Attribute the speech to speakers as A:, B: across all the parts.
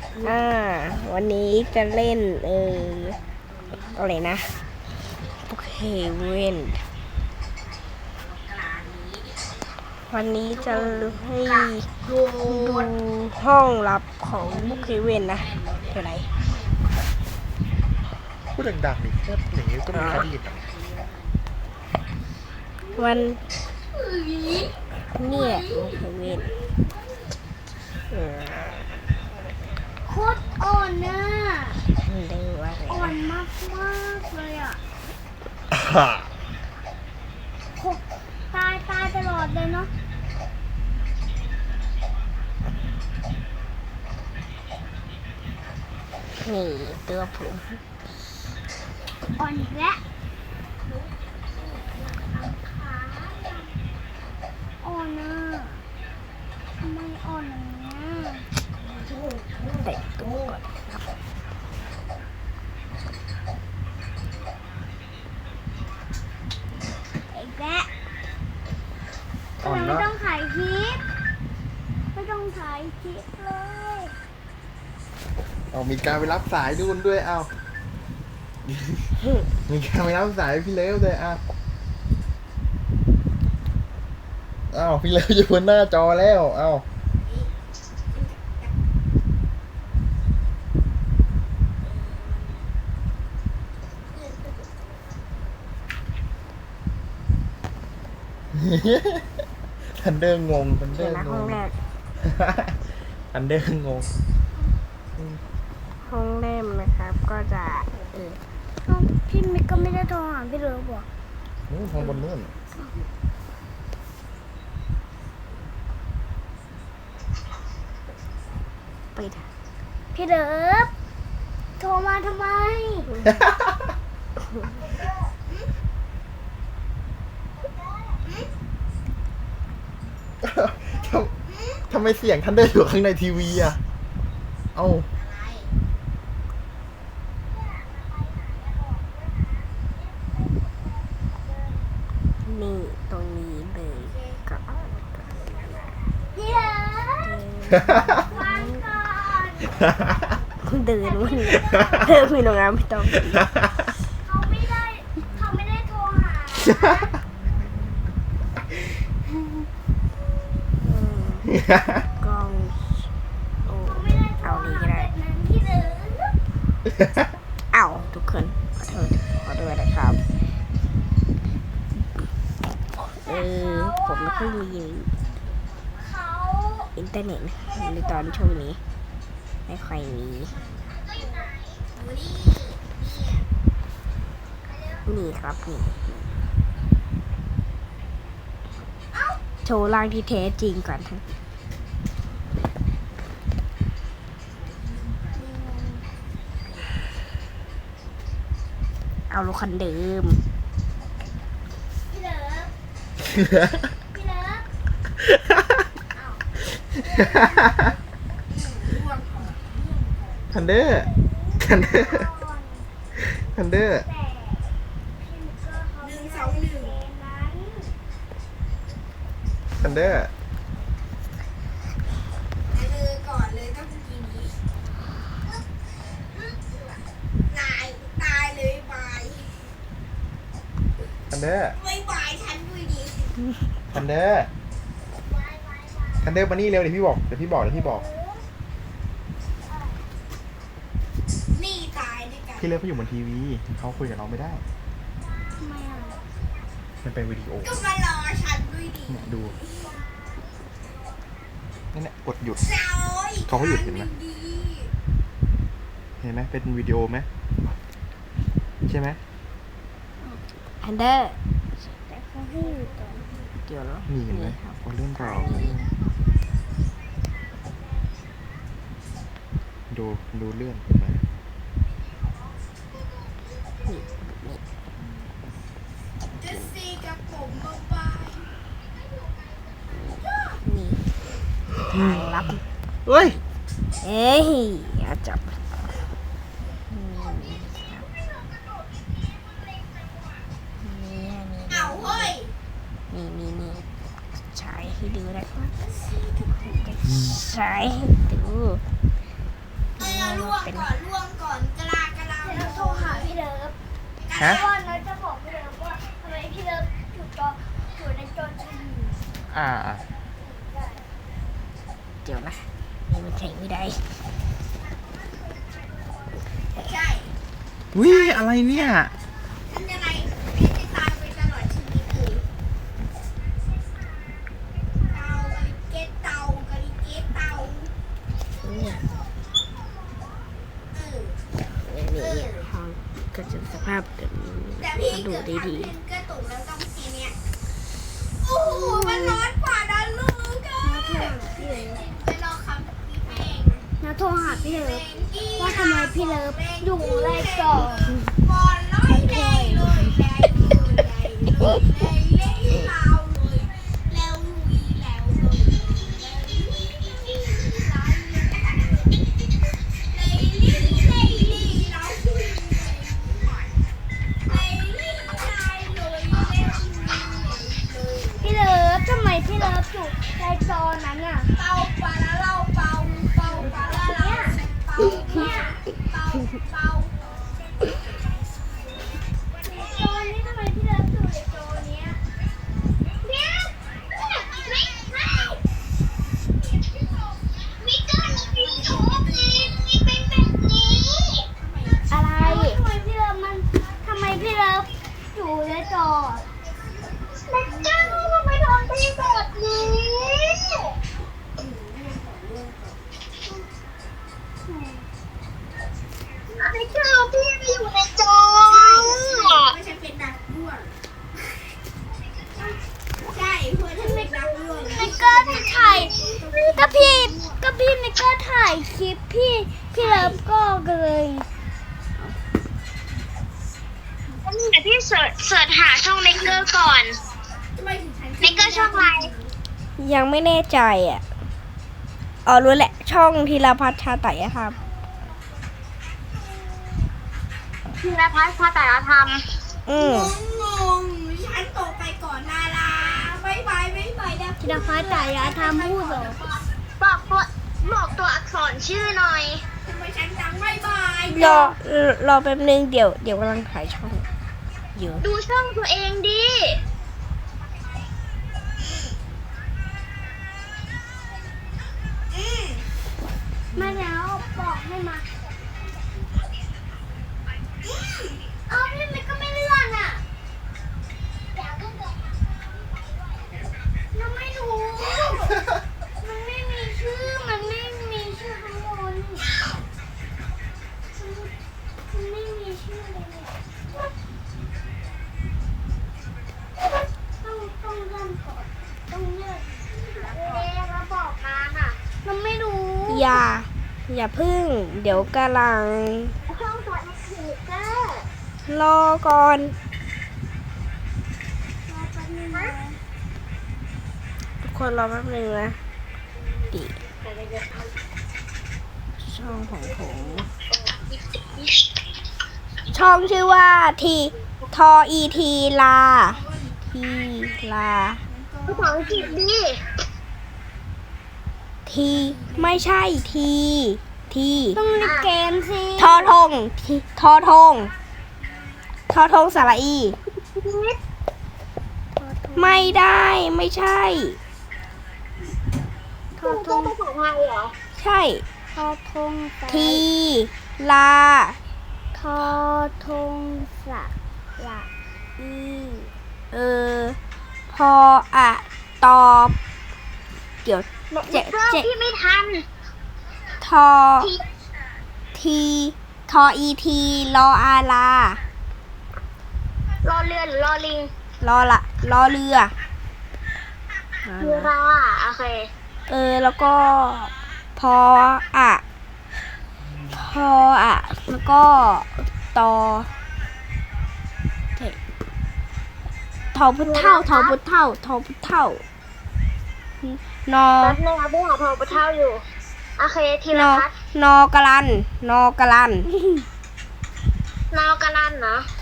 A: อ่าวันนี้จะเล่นอะไรนะโอเคเว้นวันนี้จะให้ดูห้องลับของบุคเคเวนนะเท่าไหร่
B: พูดดังๆดิพูดอย่างนี้ก็มีใครได้ยินหรอ
A: วันเนี่ยบุคเคเวน
C: โคตรอ่อนน่ะ
A: เรียกว่าอะไร
C: อ่อน
A: นะ
C: มากมากเลยอ่ะโคตายตลอดเลยเนาะ
A: นี่ตัวผม
C: อ่อนอีกแล้วอ่อนน่ะทำไมอ่อนอย่างเงี้ย
A: แต่งตัวก่อนครับ
C: อีกแล้ว
B: อ่อน
C: ไม่
B: นะ
C: ต้องถ่ายคลิปไม่ต้องถ่ายคลิปเลย
B: เอามีการไปรับสายดูนด้วยเอามีการไปรับสายพี่เลิฟเลยเอาพี่เลิฟอยู่บนหน้าจอแล้วเอาทันเดอร์งงทันเดอ
A: เดี๋ยว
B: ร์
A: นะ
B: ง
A: ห้อง
B: ง
A: แรก
B: ทันเดอร์งง
A: ห้องแรกนะครับก็จะ
C: พี่มิกก็ไม่ได้โทรหาพี่เลิฟบอก
B: นู่นทางบนนู่น
A: ปิด
C: พี่เลิฟโทรมาทำไม
B: ทำไมเสียงทันเดอร์อยู่ข้างในทีวีอ่ะเอ้า
A: นี่ตรงนี้เลยก็
C: พี่เลิฟฟังก่อน
A: เดินวันนี้เดินมีโรงงานไม่ต้อง
C: เขาไม่ได้โทรหา
A: กล้องโอ้
C: เขาไม่ได้โทร
A: เอานี้
C: หา
A: ก็ได้
C: แบบนั้นพี่เลิฟ
A: เอาทุกคนขอโทษนะครับผมไม่ค่อยมี
C: เขา
A: อินเทอร์เน็ตในตอนช่วงนี้ไม่ค่อยมีนี่ครับนี่โชว์ร่างที่แท้จริงก่อนฮะเอารถคันเดิม
C: พี่เลิฟพี่เลิฟ
B: ทันเดอร์ทันเดอร์
C: ก่อน
B: ทันเดอร์
C: แต่พี่มิกเกอร์เขาไม่ได้เกมนั้น
B: ทันเดอร์
D: เลยก่อนเลยต้องทีนี้ตายเลยบาย
B: ทันเดอร์
D: ไม่บายฉันด้วยดิ
B: ทันเดอร์ทันเดอร์มานี่เร็วเดี๋ยวพี่บอก
D: นี่ตายด้วยกัน
B: พี่เลิฟเขาอยู่บนทีวีเขาคุยกับเราไม่ได้
C: ทำไมอ่ะ
B: มันเป็นวิดีโอ
D: ก็มารอฉันด้วยดิ
B: เนี่ยดูนั่นแหละกดหยุด
D: เจ้า
B: เขาก็หยุดเห็นไหม
D: ดี
B: เห็นไหมเป็นวิดีโอไหมใช่ไหม
A: อันเดอร์
C: แต่เขาให้อยู่ต่อ
A: เดี๋ยวแล้ว
B: นี่เห็นไหม
A: ครับ
B: คนเล่นเราดูเลื่อนเห็นไหม
D: จะซีกับผมมาบาย
A: นี่ทางลับ
B: เฮ้ย
A: เอ้ยอย่าจับนี่
D: เอาเฮ้ย
A: นี่ฉายให้ดูนะครับฉายให้ดู
B: ฮะ
C: เพราะว่าน้อยจะบอกพี่เลิฟว่าทำไมพี่เลิฟอยู่ในจอทีวี
B: อ่า
A: เดี๋ยวนะนี่มันใช้ไม่ได้
D: ใช่
B: วิอะไรเนี่ย
D: ทำยังไงพี่จะตายไปตลอดชีวิตเลยเตาเก็ตเตากะลิเก็ตเตา
A: เนี่ย
D: เออ
A: นี่ห้องก็จะสภาพแบบนี้
D: แต่พี่
A: มาดู
D: เกิด
A: ดี
D: ทำเป็นกระตุกแล้วต้องทีเนี้ยโอ้โหมันร้อนกว่านั้นลูกเอ้ยไปรอคำพี่เพลง
C: น้าโทรหาพี่เลิฟว่าทำไมพี่เลิฟอยู่ในจอ
D: บอลร้อยเลยเลยเลยเลยเลยลาวเลยแล้วลุยแล้วเลย
C: พี่เลิฟทำไมพี่เลิฟอยู่ในจอนั้นอ่ะ
D: เป่าปลาแล้วเราเป่าเป่าปลาแล้วเราเป่าเนี่ยเป่าเป่า
C: จอนี้ทำไมพี่เลิฟอยู่ในจอเนี้ยเนี่ยไม่มีก้อนมีถุงมีเป็นแบบนี้อะไรทำไมพี่เลิฟอยู่ในจอแล้วเจ้าทำไมทำเป็นแบบนี้ไม่เจ้าพี่ไปอยู่ในจอ
D: ไม่ใช่เป็นนักด้วนใช่เพื่อนที่เป็นนักด้วน
C: ไม่กล้าถ่ายก็พี่ไม่กล้าถ่ายคลิปพี่เลิฟก็เลยเดี๋ยวพี่เสิร์ชหาช่องเมกเกอร์ก่อน
D: ทำไมถึงใช้
C: เมกเกอร์ช่องอะไร
A: ยังไม่แน่ใจอ่ะอ๋อรู้แหละ ช่องธีรพัฒน์ชาไตอะครับ
C: ธีรพัฒน์ชาตยธรรม
A: อืม
D: งงฉันตกไปก่อนนาราบ๊ายบายนะ
C: ธีรพัฒน์ชาตยธรรมพูดเหรอบอกตัวอักษรชื่อหน่อย
D: ทำไมฉันจังบ๊ายบาย
A: รอแป๊บนึงเดี๋ยวกำลังถ่ายช่องอยู่
C: ดูช่องตัวเองดิมาแล้วบอกให้มาเอาพี่มันก็ไม่เลื่อนอ่ะยังไม่รู้มันไม่มีชื่อข้างบนมันไม่มีชื่อเลยเนี่ยต้องเริ่มก่อนต้องเลือกแล้วบอกมาอ่ะมันไม่รู้
A: อย่าพึ่ง เดี๋ยวกำลัง
C: ช่องตัวเอ็กซ์คลิปเกอร์
A: รอก่อน
C: รอแป๊บนึงนะ
A: ทุกคนรอแป๊บนึงนะดิช่องของผมช่องชื่อว่าทออีทีลาทีลา
C: ภาษาอังกฤษดิ
A: ทีไม่ใช่ที
C: ต้องเล่นเกมสิ
A: ทอทงสระอี ไม่ได้ไม่ใช่
C: ทอทงภาษาไทยเหรอ
A: ใช่
C: ทอทง
A: ทีลา
C: ทอทงสระอี
A: พออะตอบเดี๋ยวเจ็ด
C: พี่ไม่ทัน
A: ทอทีทออีทีรออาลาร
C: อเรือหรือรอลิง
A: รอเรือ
C: เรือโอเค
A: แล้วก็พออะแล้วก็ตอทอพุทเท่านอ
C: แป๊บนึงนะพี่หาโทรไปเท่าอยู่ โอเคทีละพัด
A: นอกะลัน
C: นอกกะลันเหรอ
A: ใช่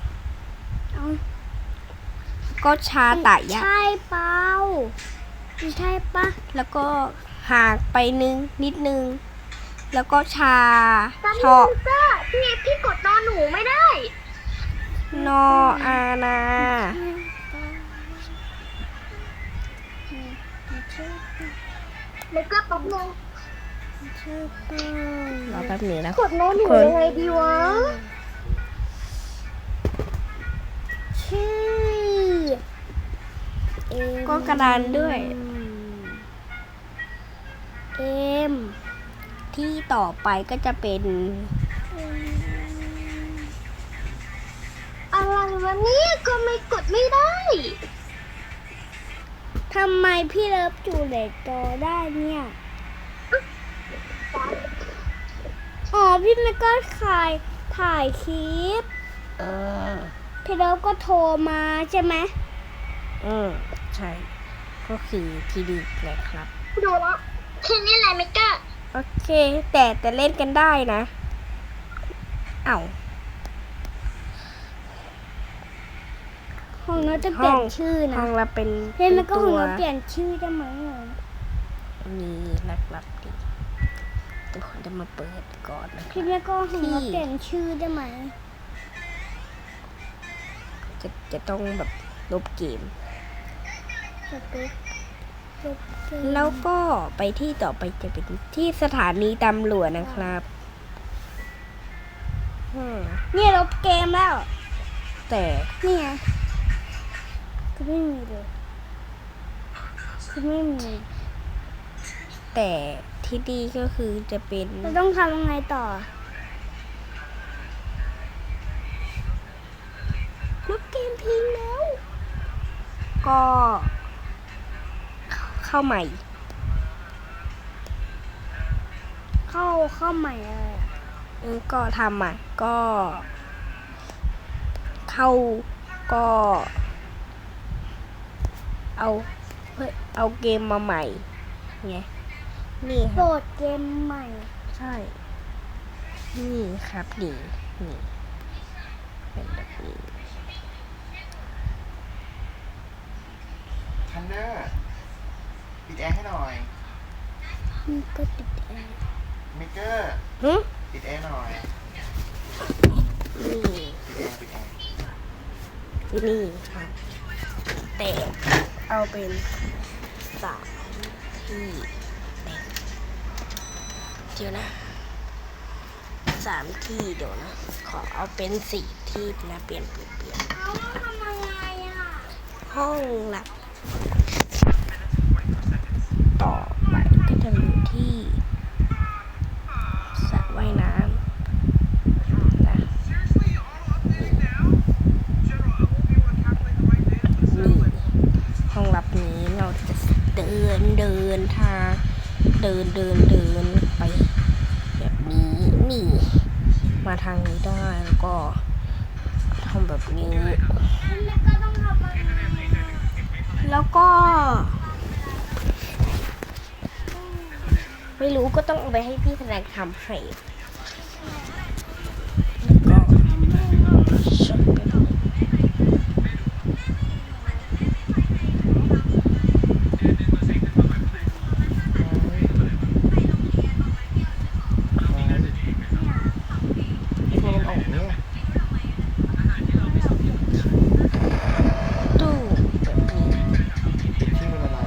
A: ก็ชาไตยะ
C: ใช่เปล่าใช่ปะ
A: แล้วก็ห่างไปนิดนึง แล้วก็ชา
C: แป๊บ
A: ช
C: นึ
A: อง
C: พี่กดนอนหนูไม่ได้
A: นนออานา
C: แล้วก็ปั๊บนึง
A: รอแป๊บหนึงนะ
C: กดโน้ตอยู่ยังไงดีวะ ชื่อ
A: ก็กระดานด้วย
C: เอ็ม
A: ที่ต่อไปก็จะเป็น
C: อะไรวะเนี่ยก็ไม่กดไม่ได้
A: ทำไมพี่เลิฟจูเลตจอได้เนี่ย อ๋อ พี่ไม่ก็ถ่ายคลิป พี่เลิฟก็โทรมาใช่ไหมใช่ ก็คือทีดีนะครับ
C: ดูละแค่นี้แหละเมก้า
A: โอเค แต่เล่นกันได้นะ เอ้า
C: ห้องน้องจะเปลี่ยนชื่อนะ
A: ห้องเราเป็น
C: เฮ้ยมันก็ห้อง
A: ตัว
C: น้องเปลี่ยนชื่อได้ไหมอ่ะ
A: นี่นะครับดิทุกคนจะมาเปิดก่อนนะค
C: พี่
A: รับ
C: แม่ก็ห้องน้องเปลี่ยนชื่อได้ไหม
A: จะต้องแบบลบเกม
C: สติ๊กสติ๊ก
A: แล้วก็ไปที่ต่อไปจะเป็นที่สถานีตำรวจนะครับ
C: เนี่ยลบเกมแล้ว
A: แต่
C: นี่ไงคือไม่มีเลยคือไม่มี
A: แต่ที่ดีก็คือจะเป็น
C: เราต้องทำยังไงต่อ
A: ลบเกมทิ้งแล้ว ก็เข้าใหม่
C: เข้าใหม่อะไรอ่ะ
A: ก็ทำใหม่ก็เข้าก็เอาเกมมาใหม่ไงนี่ค
C: โหล
A: รับ
C: ดเกมใหม่
A: ใช่ นี่ครับนี่เป็นแบบนี้
B: ทันเดอร์ปิดแอร์ให้หน่อย
C: มันก็ติดแอร์
B: เมเกอร์
A: หึ
B: ปิดแอร์หน่อย
A: นี่
B: ปิดแอร์
A: ที่นี่ครับแต่เอาเป็นสามที่แต่เดี๋ยวนะสามที่เดี๋ยวนะ ขอเอาเป็นสี่ที่นะเปลี่ยน
C: เอาทำยังไงอ่ะ
A: ห้องหลับต่อไปก็จะอยู่ที่สระว่ายน้ำนะนี่ห้องลับนี้เราจะเดินทางเดินไปแบบนี้นี่มาทางนี้ได้แล้วก็ทำแบบนี้
C: แล้วก็ต้องทำยังไงอ่ะ
A: แล้วก็ ไม่รู้ก็ต้องเอาไปให้พี่แสดงทำให้แล้วก็ชอบไปดู
B: ไอ้พวกมันออกเนี่ย
A: ตู้แบบนี้
B: ปิดชื่อมันอะไร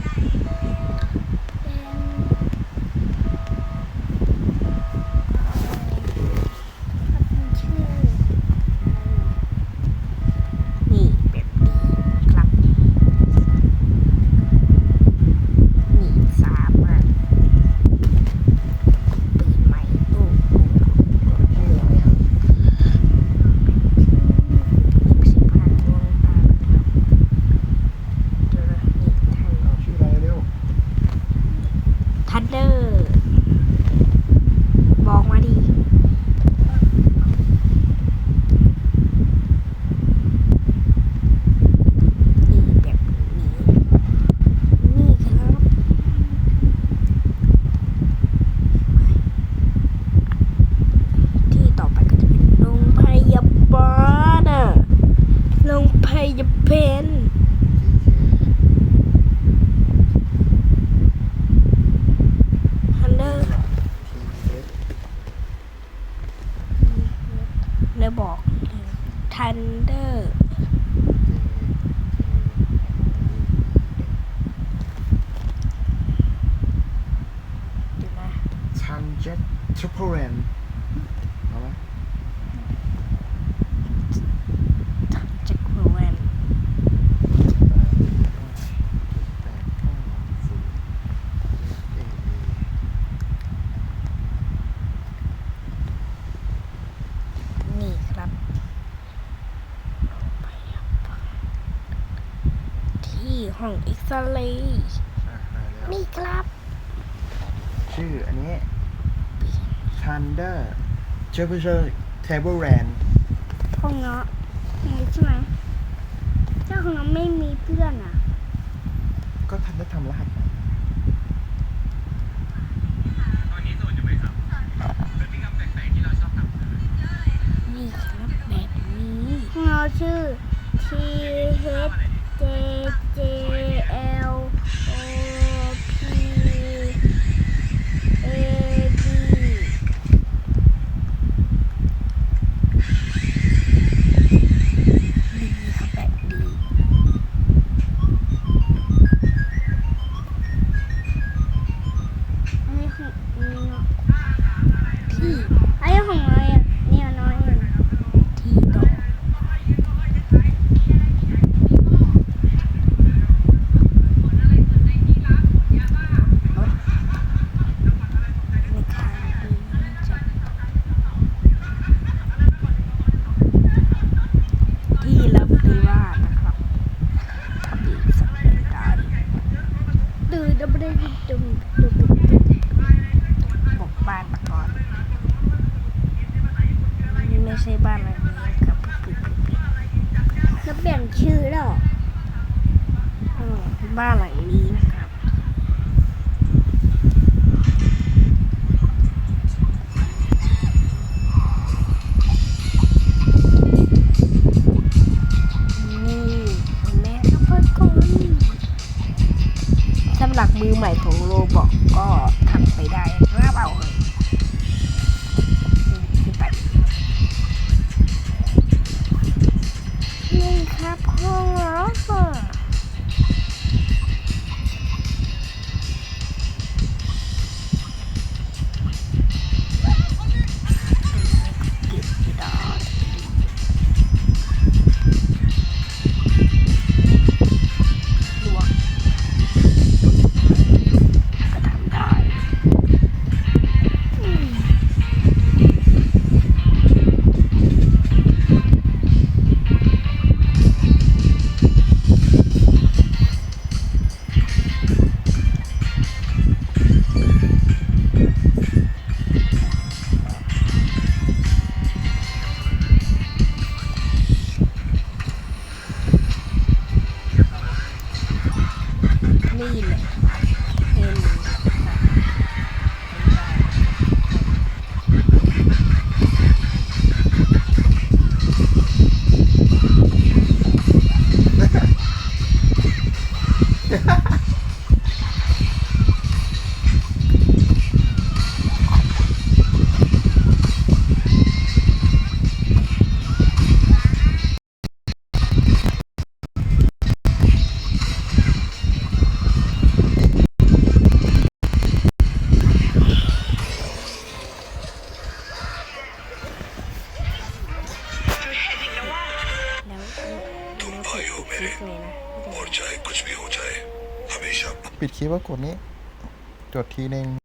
C: ชื่อ
A: นี่แบบนี้ครับ นี่สามารถเปิดใหม่ตู้
B: ชื่ออะไรอ่ะ
A: 60,000ดวงตานะครับเดี๋ยวนะนี่ทาง
B: เอาชื่ออะไรเร็ว
A: ทันเดอร์ บอกมาดี นี่แบบนี้ นี่ครับ ที่ต่อไปก็จะเป็นโรงพยาบาลน่ะโรงพยาบาลทันเดอร์ได้บอก Thunder เดี๋ยวนะ
B: ชันเจ็ตทริปเปิลเรนเอาไหม
A: Jack r a n นี่ครับที่ห้องเอ็กซเรย์นี่ครับ
B: ชื่ออันนี้ Thunder Table r a n
A: ห้องเนาะนี่ใช่ไหมถ้าห้องเนาะไม่มีเพื่อนอ่ะ
B: ก็ทันได้ทำรหัสใหม่
A: นี่ครับแบบนี้ห้องเราชื่อ T H J J L O P A D ดีครับแบบดีอันนี้ของนี่เนาะที่อันนี้ของอะไรอ่ะเนี่ยน้อยเองที่ต่อในทางนี้จะที่รับปริวาสนะครับทำอีกสักรายการดูดับเบิลบอกบ้านมาก่อนนี่ไม่ใช่บ้านหลังนี้ครับแล้วเปลี่ยนชื่อแล้วบ้านหลังนี้นะครับนี่แม่ครับเพื่อนคนสำหรับมือใหม่ของโรบอกก็ทำไปได้ครับเอาเลยขึ้นไปนี่ครับห้องเราค่ะเก็บไม่ได้ลวกก็ทำได้นี่แหละเป็นแล้วปิดคลิปเลยนะ
E: और चाहे कुछ भी हो जाए हमेशा
B: ปิดคลิปว่ากดนี้ กดทีนึง